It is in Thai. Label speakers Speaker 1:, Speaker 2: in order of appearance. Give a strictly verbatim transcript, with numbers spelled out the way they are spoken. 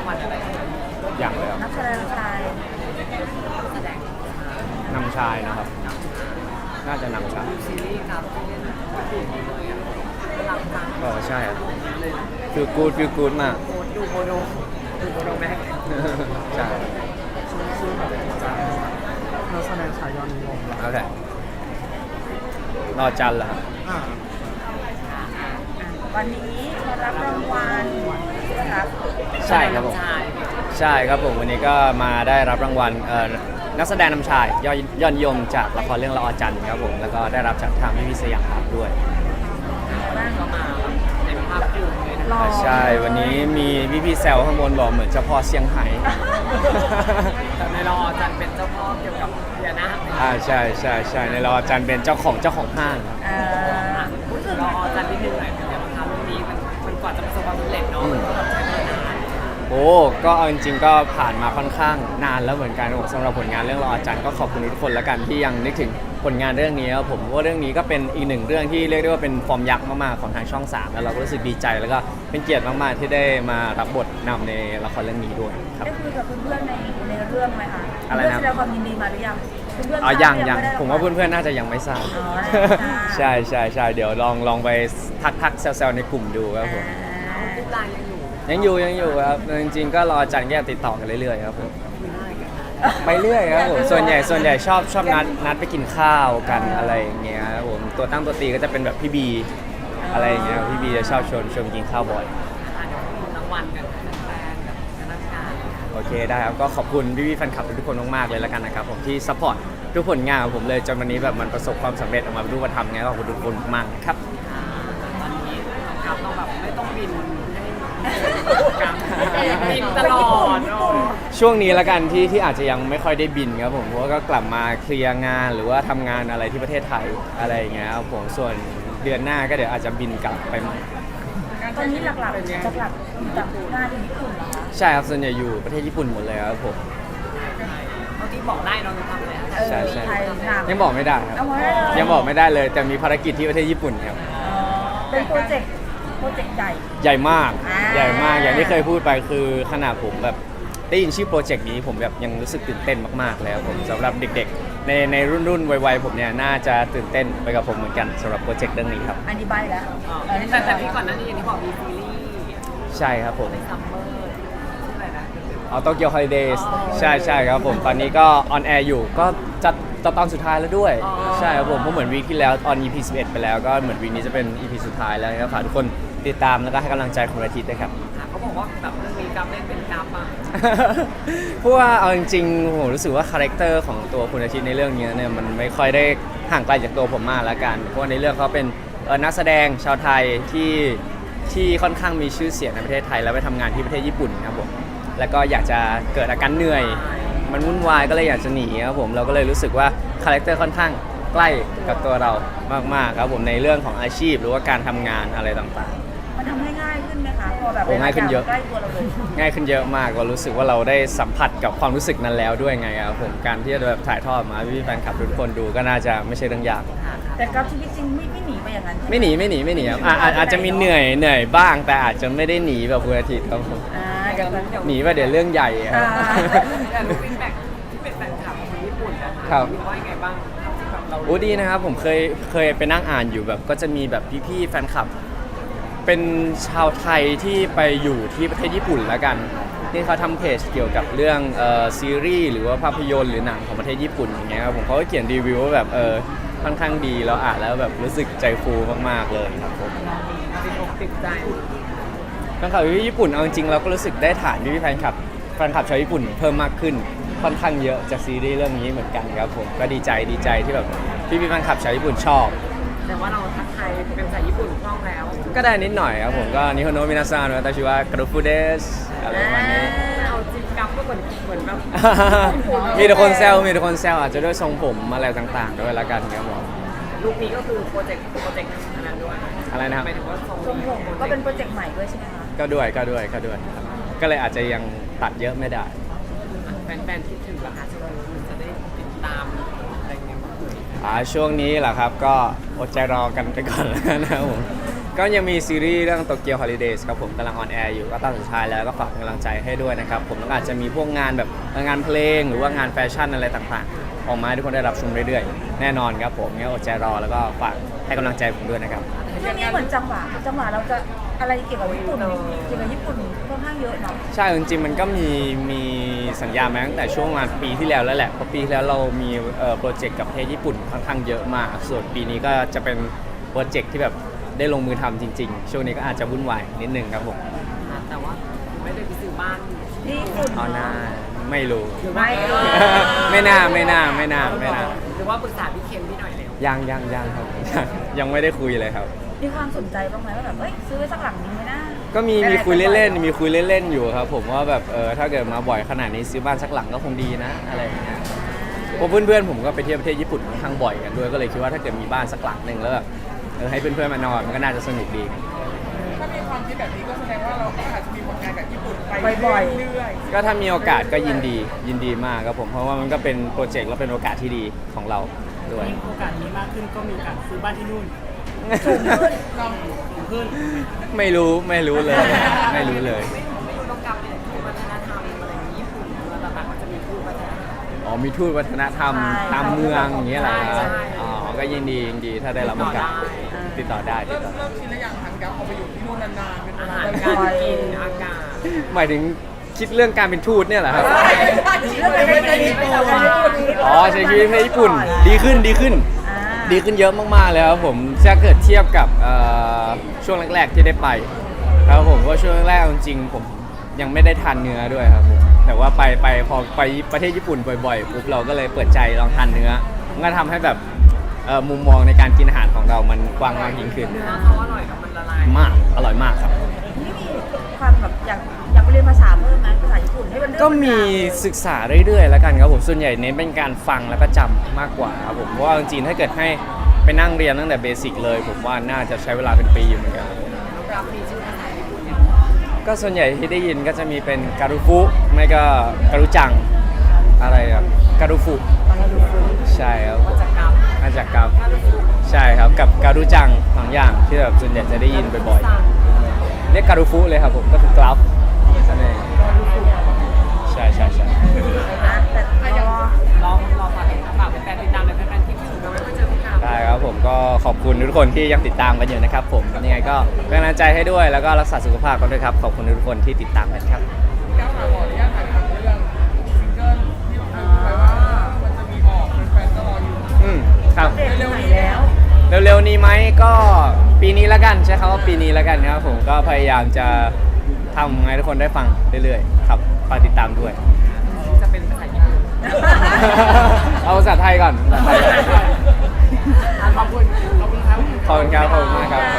Speaker 1: างวัลอะไร
Speaker 2: อย่างเลยครับ
Speaker 3: นักแสดงชาย
Speaker 1: แสดง
Speaker 2: นำชายนะครับน่าจะนำชาย
Speaker 1: ซีรีส์ครับที่เล่นถูกเลยอ่ะหลังจาก
Speaker 2: ก็ใช่ครับฟิลกูดฟิลกูดมาก
Speaker 1: โคดูโมโนดูโมโนแม็ก
Speaker 2: ใช่
Speaker 4: ชื่อแบบจะนักแสดงชายยอดนิยม
Speaker 2: โอเครอจันทร์เหรอครับ
Speaker 4: อ่า
Speaker 3: วันนี้มารับรางวัลนะครับ
Speaker 2: ใช่ครับผมใช่ครับผมวันนี้ก็มาได้รับรางวัลเอ่อนักแสดงนำชายยอดยอดนิยมจากละครเรื่องละออจันทร์ครับผมแล้วก็ได้รับจากทางพี่พิสยามครับด้วย
Speaker 3: บ้าง
Speaker 1: ก็มาในภาพยนตร์เลยนะ
Speaker 3: รอ
Speaker 2: ใช่วันนี้มีพี่พี่ๆแซวข้างบนบอกเหมือนเจ้าพ่อเซี่ยงไฮ้
Speaker 1: แต่ในรอจันเป็นเจ้าพ่อเกี่ยวกับเบียร์นะ
Speaker 2: อ่าใช่ใช่ใช่ในละออจันทร์เป็นเจ้าของเจ้าของห้างครับ
Speaker 3: เอ่อ
Speaker 1: พูดถึงรอจันนิดนึงหน่อยเป็นไงบ้างคะเรื่องนี้มันมันกว่าจะประสบความสำเร็จเนาะมันก็แบบใช้เวลานาน
Speaker 2: โอ้ก็เอาจริงๆก็ผ่านมาค่อนข้างนานแล้วเหมือนกันผมสำหรับผลงานเรื่องละออจันทร์ก็ขอบคุณทุกคนแล้วกันที่ยังนึกถึงผลงานเรื่องนี้ครับผมว่าเรื่องนี้ก็เป็นอีกหนึ่งเรื่องที่เรียกได้ว่าเป็นฟอร์มยักษ์มากๆของทางช่องสามแล้วเราก็รู้สึกดีใจแล้วก็เป็นเกียรติมากๆที่ได้มารับบทนำในละครเรื่องนี้ด้วยครับ
Speaker 3: ได้คุยกับเพื่อนๆในในเรื่องไหมคะ
Speaker 2: อะไรนะ
Speaker 3: เพื่อนแสดงความยินดีมาหรือยังเพื่อนๆ
Speaker 2: อ๋อ
Speaker 3: ทราบ
Speaker 2: ยัง
Speaker 3: หรือ
Speaker 2: ยัง
Speaker 3: ไได้
Speaker 2: ผมว่าเพื่อนๆน่าจะยังไม่ทราบ
Speaker 3: อ๋อได้ทราบ
Speaker 2: ใช่ใช่ใช่เดี๋ยวลองลองไปทักทักๆแซวๆในกลุ่มดูครับผม
Speaker 3: อ่า
Speaker 1: รูปลายยังอยู่
Speaker 2: ยังอยู่ยังอยู่ครับจริงๆก็รอจันทร์แก้ติดต่อกันเรื่อยๆครับผม
Speaker 1: คุยได้กันนะ
Speaker 2: ไปเรื่อยครับผมส่วนใหญ่ส่วนใหญ่ชอบชอบนัดนัดไปกินข้าวกันอะไรอย่างเงี้ยครับผมตัวตั้งตัวตีก็จะเป็นแบบพี่บีอะไรอย่างเงี้ยพี่บีจะชอบชวนชวนกินข้าวบ่อย
Speaker 1: อ่ะเดี๋ยวมีรางวัลกันแฟนๆกับคณะกรรมการ
Speaker 2: โอเคได้ครับก็ขอบคุณพี่ๆแฟนคลับทุกคนมากๆเลยแล้วกันนะครับผมที่ซัพพอร์ตทุกผลงานของผมเลยจนวันนี้แบบมันประสบความสำเร็จออกมาเป็นรูปธรรมไงก็ขอบคุณทุกคนมากๆครับ
Speaker 1: อ่าตอนนี้ครับต้องแบบไม่ต้องบินให้การบินตลอดเนาะ
Speaker 2: ช่วงนี้ละกันที่ที่อาจจะยังไม่ค่อยได้บินครับผมเพราะว่าก็กลับมาเคลียร์งานหรือว่าทำงานอะไรที่ประเทศไทยอะไรอย่างเงี้ยครับผมส่วนเดือนหน้าก็เดี๋ยวอาจจะบินกลับไปใหม่
Speaker 3: ตอนนี้หลักๆหลักๆจากงานที่ญี่ปุ่นเหรอคะ
Speaker 2: ใช่ครับส่วนใหญ่อยู่ประเทศญี่ปุ่นหมดเลยครับผม
Speaker 1: เมื่อกี้บอกได้เราจะทำอะไร
Speaker 3: เออ
Speaker 2: ใช่ใช่
Speaker 3: ไทยหนัก
Speaker 2: ยังบอกไม่ได้ครับ
Speaker 3: เอาไว้ได้เลย
Speaker 2: ยังบอกไม่ได้เลย แต่มีภารกิจที่ประเทศญี่ปุ่นครับ
Speaker 3: อ๋อเป็นโปรเจกต์โปรเจกต์ใหญ่
Speaker 2: ใหญ่มาก
Speaker 3: อ่า
Speaker 2: ใหญ่มากอย่างที่เคยพูดไปคือขนาดผมแบบได้ยินชื่อโปรเจกต์นี้ผมแบบยังรู้สึกตื่นเต้นมากๆเลยครับผมสำหรับเด็กๆ ในในรุ่นรุ่นวัยๆผมเนี่ยน่าจะตื่นเต้นไปกับผมเหมือนกันสำหรับโปรเจกต์เรื่องนี้ครับ
Speaker 3: อันนี้ใบแล้ว
Speaker 1: แต่แต่พี่ก่อนหนั้นนี่อย่างที่บอกมีซีรีส์
Speaker 2: ใช่ครับผม
Speaker 1: ในซัมเมอร์ชื่ออะไรนะ
Speaker 2: เอาโตเกียวฮอลิเดย์
Speaker 1: อ๋อ
Speaker 2: ใช่ใช่ครับผมตอนนี้ก็ออนแอร์อยู่ก็จะจะตอนสุดท้ายแล้วด้วย
Speaker 1: อ๋อ
Speaker 2: ใช่ครับผมเพราะเหมือนวีคที่แล้วออน อี พี สิบเอ็ดไปแล้วก็เหมือนวีคนี้จะเป็น อี พี สุดท้ายแล้วนะครับฝากทุกคนติดตามแล้วก็ให้กำลังใจคุณอาทิตย์ด้วยครับ
Speaker 1: ค่ะเขาบอกว่าแบบเรื่องนี้กราฟเล่นเป็นกราฟอ่ะ
Speaker 2: เพราะว่าเอาจริงๆผมรู้สึกว่าคาแรคเตอร์ของตัวคุณอาทิตย์ในเรื่องนี้เนี่ยมันไม่ค่อยได้ห่างไกลจากตัวผมมากแล้วกันเพราะว่าในเรื่องเขาเป็นเอ่อนักแสดงชาวไทยที่ที่ค่อนข้างมีชื่อเสียงในประเทศไทยแล้วไปทำงานที่ประเทศญี่ปุ่นครับผมแล้วก็อยากจะเกิดอาการเหนื่อย มันวุ่นวายก็เลยอยากจะหนีครับผมเราก็เลยรู้สึกว่าคาแรคเตอร์ค่อนข้างใกล้กับตัวเรามากๆครับผมในเรื่องของอาชีพหรือว่าการทำงานอะไรต่างๆ
Speaker 3: มันทำให้ง่ายขึ้นไหมคะพอแบบ
Speaker 2: โอ้ง่ายขึ้นเยอะ
Speaker 3: ใกล้ตัวเราเลย
Speaker 2: ง่ายขึ้นเยอะมากเรารู้สึกว่าเราได้สัมผัสกับความรู้สึกนั้นแล้วด้วยไงครับผมการที่จะแบบถ่ายทอดมาให้พี่แฟนคลับทุกคนดูก็น่าจะไม่ใช่เรื่องยาก
Speaker 3: แต่กับชีวิตจริงไม่ไม่หนีไปอย่างนั้นใช่ห
Speaker 2: ไม่หนีไม่หนีไม่หนีครับอ่ะอ่ะอาจจะมีเหนื่อยเหนื่อยบ้าง แต่อาจจะไม่ได้หนีแบบคุณอาทิตย์ครับผม
Speaker 3: อ่าเดี๋ยวมัน
Speaker 2: หนีว่าเดี๋ยวเรื่องใหญ่ครับ
Speaker 3: อ่า
Speaker 1: แต่รู้ฟีดแบ็กที่เป็นแฟนคลับคนญี่ปุ่นนะคะ
Speaker 2: ครับ
Speaker 1: คิดว่ายังไงบ้างที่แบบเรา
Speaker 2: โอ้ดีนะครับผมเคยเคยไปนั่งอ่านอยู่แบบก็จะมีแบบพี่ๆแฟนคลับ เป็นชาวไทยที่ไปอยู่ที่ประเทศญี่ปุ่นแล้วกันที่เขาทำเพจเกี่ยวกับเรื่องเอ่อซีรีส์หรือว่าภาพยนตร์หรือหนังของประเทศญี่ปุ่นอย่างเงี้ยครับผมเขาก็เขียนรีวิวว่าแบบเออค่อนข้างดีแล้วอ่านแล้วแบบรู้สึกใจฟูมากๆเลยครับผม
Speaker 1: ติดอกติดใจ
Speaker 2: แฟนคลับที่ญี่ปุ่นเอาจริงๆเราก็รู้สึกได้ฐานพี่ๆแฟนคลับแฟนคลับชาวญี่ปุ่นเพิ่มมากขึ้นค่อนข้างเยอะจากซีรีส์เรื่องนี้เหมือนกันครับผมก็ดีใจดีใจที่แบบพี่ๆแฟนคลับชาวญี่ปุ่นชอบ
Speaker 1: แต่ว่าเราทักทายเป็นภาษาญี่ปุ่นคล่องแล้ว
Speaker 2: ก็ได้นิดหน่อยครับผมก็นิโฮโนะมินาซังวาตาชิวะกรุฟุเดสอะไรประมาณนี้
Speaker 1: เอาจริงกับก็เหมือนเหมือนแบบ
Speaker 2: มีแต่คนแซวมีแต่คนแซวอาจจะด้วยทรงผมอะไรต่างๆด้วยละกันครับผม
Speaker 1: ลูกนี้ก็คือโปรเจกต์โปรเจกต์อันนั้นด้วย
Speaker 2: อะไรนะครับ
Speaker 1: หมายถึงว่าทรง
Speaker 3: ทรงผมก็เป็นโปรเจกต์ใหม่ด้วยใช่ไหมคะ
Speaker 2: ก็ด้วยก็ด้วยก็ด้วยครับก็เลยอาจจะยังตัดเยอะไม่ได้
Speaker 1: แฟนๆคิดถึงราคาช่วงนี้จะได้ติดตามอะไรเงี้ยบ้าง
Speaker 2: อ่าช่วงนี้แหละครับก็อดใจรอกันไปก่อนแล้วนะครับผมก็ยังมีซีรีส์เรื่อง Tokyo Holidays ครับผมกำลังออนแอร์อยู่ก็ตอนสุดท้ายแล้วก็ฝากเป็นกำลังใจให้ด้วยนะครับผมแล้วก็อาจจะมีพวกงานแบบงานเพลงหรือว่างานแฟชั่นอะไรต่างๆ ออกมาให้ทุกคนได้รับชมเรื่อยๆ แน่นอนครับผมงั้นอดใจรอแล้วก็ฝากให้กำลังใจผมด้วยนะครับ
Speaker 3: ช่วงนี้เหมือนจังหวะจังหวะเราจะอะไรเกี่ยวกับญี่ปุ่นเกี่ยวกับญี่ปุ่นค่อนข้างเยอะเนาะ
Speaker 2: ใช่จริงๆมันก็มีมีสัญญามาตั้งแต่ช่วงประมาณปีที่แล้วแล้วแหละเพราะปีที่แล้วเรามีเอ่อโปรเจกต์กับประเทศญี่ปุ่นค่อนข้างเยอะมากส่วนปีนี้ก็จะเป็นโปรเจกต์ที่แบบได้ลงมือทำจริงๆ ช่วงนี้ก็อาจจะวุ่นวายนิดนึงครับผม
Speaker 1: แต่ว่าไม่ได้ไปซื้อบ้าน
Speaker 3: ญี่ปุ่น
Speaker 2: เอาหน้าไม่รู้
Speaker 3: ไม่เออ
Speaker 2: ไม่น่าไม่น่าไม่น่าไม่น่า
Speaker 1: หรือว่าปรึกษาพี่เคนพี่หน่อยแล้ว
Speaker 2: ยังยังยังครับ ยังยังไม่ได้คุยเลยครับ
Speaker 3: มีความสนใจบ้างไหมว่าแบบเอ้ยซื้อไว้สักหลังนึงไหมนะ
Speaker 2: ก็มีมีคุยเล่นๆมีคุยเล่นๆอยู่ครับผมว่าแบบเออถ้าเกิดมาบ่อยขนาดนี้ซื้อบ้านสักหลังก็คงดีนะอะไรอย่างเงี้ยเพราะเพื่อนๆผมก็ไปเที่ยวประเทศญี่ปุ่นค่อนข้างบ่อยกันด้วยก็เลยคิดว่าถ้าเกิดมีบ้านสักหลังหนึ่งแล้วแบบเออให้เพื่อนๆมานอนมันก็น่าจะสนุกดี
Speaker 4: ถ้ามีความคิดแบบนี้ก็แสดงว่าเราก็อาจจะมีผลงานกับญี่ปุ่นไป
Speaker 3: บ่อย
Speaker 4: เรื่อย
Speaker 2: ก็ถ้ามีโอกาสก็ยินดียินดีมากครับผมเพราะว่ามันก็เป็นโปรเจกต์และเป็นโอกาสที่ดีของเราด้วย
Speaker 5: โอกาสนี้มากขึ้นก็มีโอกาสซื้อบ้านที่นู่น
Speaker 3: สูงขึ้น
Speaker 4: ๆเรา
Speaker 5: สูงขึ้น
Speaker 2: ไม่รู้ไม่รู้เลย ไม่รู้เลย
Speaker 1: ไม่ไม่รู้ต้องกลับเนี่ยทูตวัฒนธรรมอะไรอย่างนี้ญี่ปุ่นแล้วต่างๆก็จะมีทูตวัฒนธรรม
Speaker 2: อ๋อมีทูตวัฒนธรรมตามเมืองอย่างเงี้ยเหรอครับอ๋อก็ยินดียินดีถ้าได้รับโอกาสติดต่อได้ติ
Speaker 4: เริ่
Speaker 2: ด
Speaker 4: ม
Speaker 2: ต่อ
Speaker 4: เริ่มชินแล้วอย่างทันกับเอาไปอยู่ที่นู่นนานๆเป็นเว
Speaker 1: อา
Speaker 4: ลา
Speaker 1: หาร
Speaker 4: นาน
Speaker 1: การกินอากาศ
Speaker 2: หมายถึงคิดเรื่องการเป็นทูตเนี่ยเหรอครับ
Speaker 3: เรื่องอะไรไม่ดีไม่ดี
Speaker 2: อ๋อใช้ชีวิตในญี่ปุ่นดีขึ้นดีขึ้น
Speaker 3: อ่า
Speaker 2: ดีขึ้นเยอะมากๆเลยครับผมถ้าเกิดเทียบกับเอ่อช่วงแรกๆที่ได้ไปครับผมก็ช่วงแรกๆจริงๆผมยังไม่ได้ทานเนื้อด้วยครับผมแต่ว่าไปไปพอไปประเทศญี่ปุ่นบ่อยๆปุ๊บเราก็เลยเปิดใจลองทานเนื้อมันก็ทำให้แบบเอ่อมุมมองในการกินอาหารของเรามันกว้างมากยิ่งขึ้น
Speaker 1: เนื้อเขาอร่อยกับมันละลาย
Speaker 2: มากอร่อยมากครับ
Speaker 3: นี่มีความแบบอยากอยากไปเรียนภาษาเพิ่มไหมภาษาญี่ปุ่นให้มันเรื่อง
Speaker 2: ก็มี
Speaker 3: นราว
Speaker 2: ศึกษาเรื่อยๆแล้วกันครับผมส่วนใหญ่เน้นเป็นการฟังแล้วก็จำมากกว่าครับผมเพราะว่าจริงๆถ้าเกิดให้ไปนั่งเรียนตั้งแต่เบสิกเลย ผมว่าน่าจะใช้เวลาเป็นปีอยู่เหมือนกัน
Speaker 1: รับมีชื่อภาษาญี่ปุ่นเนี่ย
Speaker 2: ก็ส่วนใหญ่ที่ได้ยินก็จะมีเป็นการุฟุไม่ก็การุจังอะไรครับการุฟุใช่ครับ
Speaker 1: ว่าจะกลับ
Speaker 2: มาจากกับ
Speaker 1: ถ้ารู้สึก
Speaker 2: ใช่ครับกับการุจังสองอย่างที่แบบส่วนใหญ่จะได้ยินบ่อยๆเรียกการุฟุเลยครับผมก็คือกราฟนั่นเองใช่ใช่ใช่
Speaker 3: นะแต่รอ
Speaker 1: ลองลองฝากฝากแฟนๆติดตามเลยแฟนๆที่คิดถึงกันไว้เพื่อเจอพี่กราฟ
Speaker 2: ได้ครับผมก็ขอบคุณทุกคนที่ยังติดตามกันอยู่นะครับผมยังไงก็เป็นกำลังใจให้ด้วยแล้วก็รักษาสุขภาพกันด้วยครับขอบคุณทุกคนที่ติดตามกันครับ
Speaker 4: ก้าวขาขออนุญาตถ่ายทำเรื่องซิงเกิลที่เราพูดไปว่ามันจะมีออกแฟนๆก็รออยู่
Speaker 2: อืมครับ
Speaker 3: เด็กไหนแล้ว
Speaker 2: เร็วๆนี้ไหมก็ปีนี้แล้วกันใช้คำว่าปีนี้แล้วกันครับผมก็พยายามจะทำให้ทุกคนได้ฟังเรื่อยๆครับฝากติดตามด้วย
Speaker 1: จะเป็นภาษาญี่ปุ่น
Speaker 2: เอาภาษาไทยก่อนภาษาไทยก่อน
Speaker 1: อ่ะขอบคุณขอบคุณครับ
Speaker 2: ขอบคุณครับขอบคุณมากครับ